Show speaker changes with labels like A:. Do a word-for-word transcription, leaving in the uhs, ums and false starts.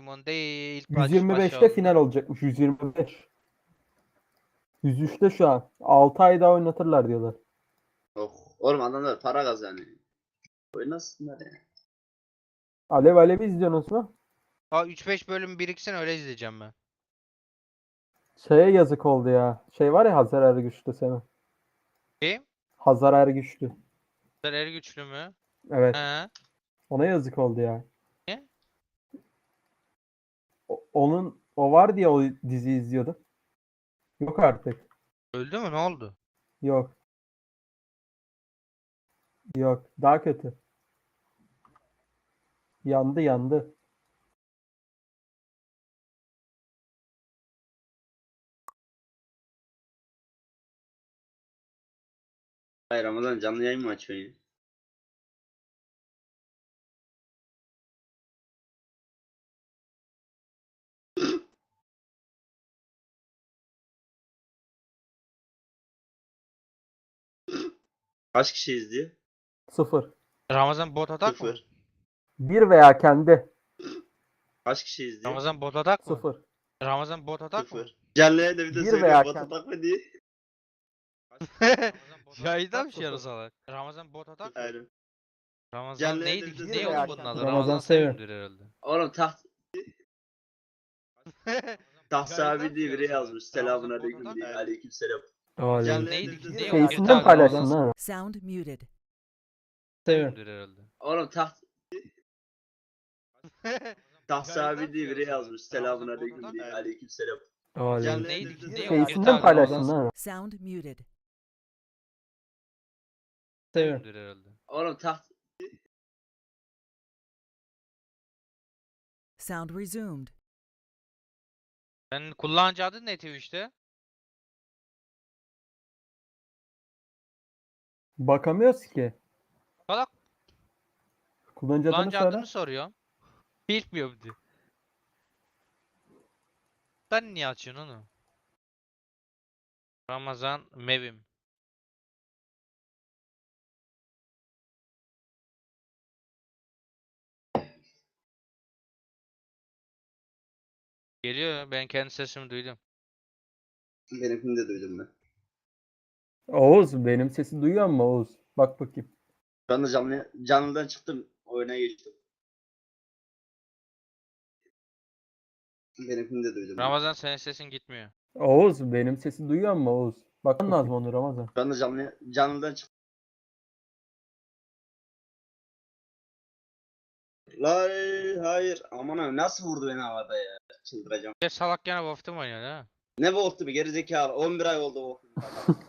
A: maymun değil.
B: yüz
A: Baş
B: yirmi
A: başa
B: beşte final
A: oldu.
B: olacakmış. yüz yirmi beş. yüz üçte şu an. altı ay daha oynatırlar diyorlar.
C: Oh. Oğlum adamlar para kazanıyor. Oynasınlar ya.
B: Alev Alev'i izliyorsunuz mu?
A: Aa üç beş bölüm biriksin öyle izleyeceğim ben.
B: Şeye yazık oldu ya. Şey var ya, Hazar Ergüçlü Semih.
A: Kim?
B: Hazar Ergüçlü.
A: Er güçlü mü?
B: Evet.
A: He.
B: Ona yazık oldu ya.
A: Niye?
B: O- onun o var diye o dizi izliyordum. Yok artık.
A: Öldü mü? Ne oldu?
B: Yok. Yok. Daha kötü. Yandı yandı.
C: Hayır, Ramazan canlı yayın mı açıyorsun ya? Kaç kişi izliyor?
B: Sıfır.
A: Ramazan bot atak mı?
C: Sıfır.
B: Bir veya kendi.
C: Kaç kişi izliyor?
A: Ramazan bot atak mı?
B: Sıfır.
A: Ramazan bot atak mı?
C: Sıfır. Canlı yayında bir de
B: Bir
C: söylüyor
B: veya
C: bot
B: kendi.
C: atak mı diye.
A: Yayında mı
B: Sıfır.
A: şey salak? Ramazan bot atak mı?
C: Aynen.
A: Ramazan
C: Canlı
A: neydi
C: yayında
A: ki?
C: bir
A: Ne
C: de
A: oğlum
B: söylüyor.
A: bunun adı?
B: Ramazan
A: Ramazan
B: seviyor.
A: Sevim'dir herhalde.
C: Oğlum taht Tahsi
A: Yayında
C: abi
A: mı
C: diye
A: şey
C: biri
A: salak?
C: yazmış. Selamun
A: Ramazan bot
C: aleyküm
A: atak
C: diye.
A: mı?
C: Aleyküm selam.
B: Aleyküm.
C: Canlı
A: Neydi
C: yayında
A: ki?
C: bir de
A: Ne o?
C: söylüyor
B: Şeysinden
C: bot atak.
B: paylaşsın ha.
D: Sound muted.
B: Seviyorum.
A: Sevim'dir herhalde.
C: Oğlum taht Tahsi
A: Yayında
C: abi
A: mı
C: diye
A: şey
C: biri
A: salak?
C: yazmış. Selamun
A: Ramazan bot
C: aleyküm
A: atak
C: diye.
A: mı?
C: Aleyküm selam.
B: Aleyküm.
A: Neydi ki? Ne o?
B: Şeysinden
A: Bir
B: paylaşsın ha.
D: Sound muted.
B: Seviyorum.
A: Sevim'dir herhalde.
C: Oğlum taht
D: Sound resumed.
A: Senin kullanıcı adın ne Twitch'te?
B: Bakamıyoruz ki.
A: Salak
B: Kullanıcı adını
A: kullanıcı
B: söyle.
A: adını soruyorum. Bilmiyorum diyor. Sen niye açıyorsun onu? Ramazan Mevim. Geliyor. Ben kendi sesimi duydum.
C: benimkini de duydum ben.
B: Oğuz, benim sesi duyuyor musun Oğuz? Bak bakayım.
C: Şu anda canlı, canlıdan çıktım. Oyuna geçtim. Benimkini de duydum ben.
A: Ramazan senin sesin gitmiyor.
B: Oğuz, benim sesi duyuyor musun Oğuz? Bakman lazım onu Ramazan.
C: Şu anda canlı, canlıdan çıktım. Lay hayır. Aman abi nasıl vurdu beni havada ya. Çıldıracağım.
A: Ya salak gene Wolf'ta mı oynuyor ha?
C: Ne Wolf'tu bir gerizekalı. on bir ay oldu Wolf'un.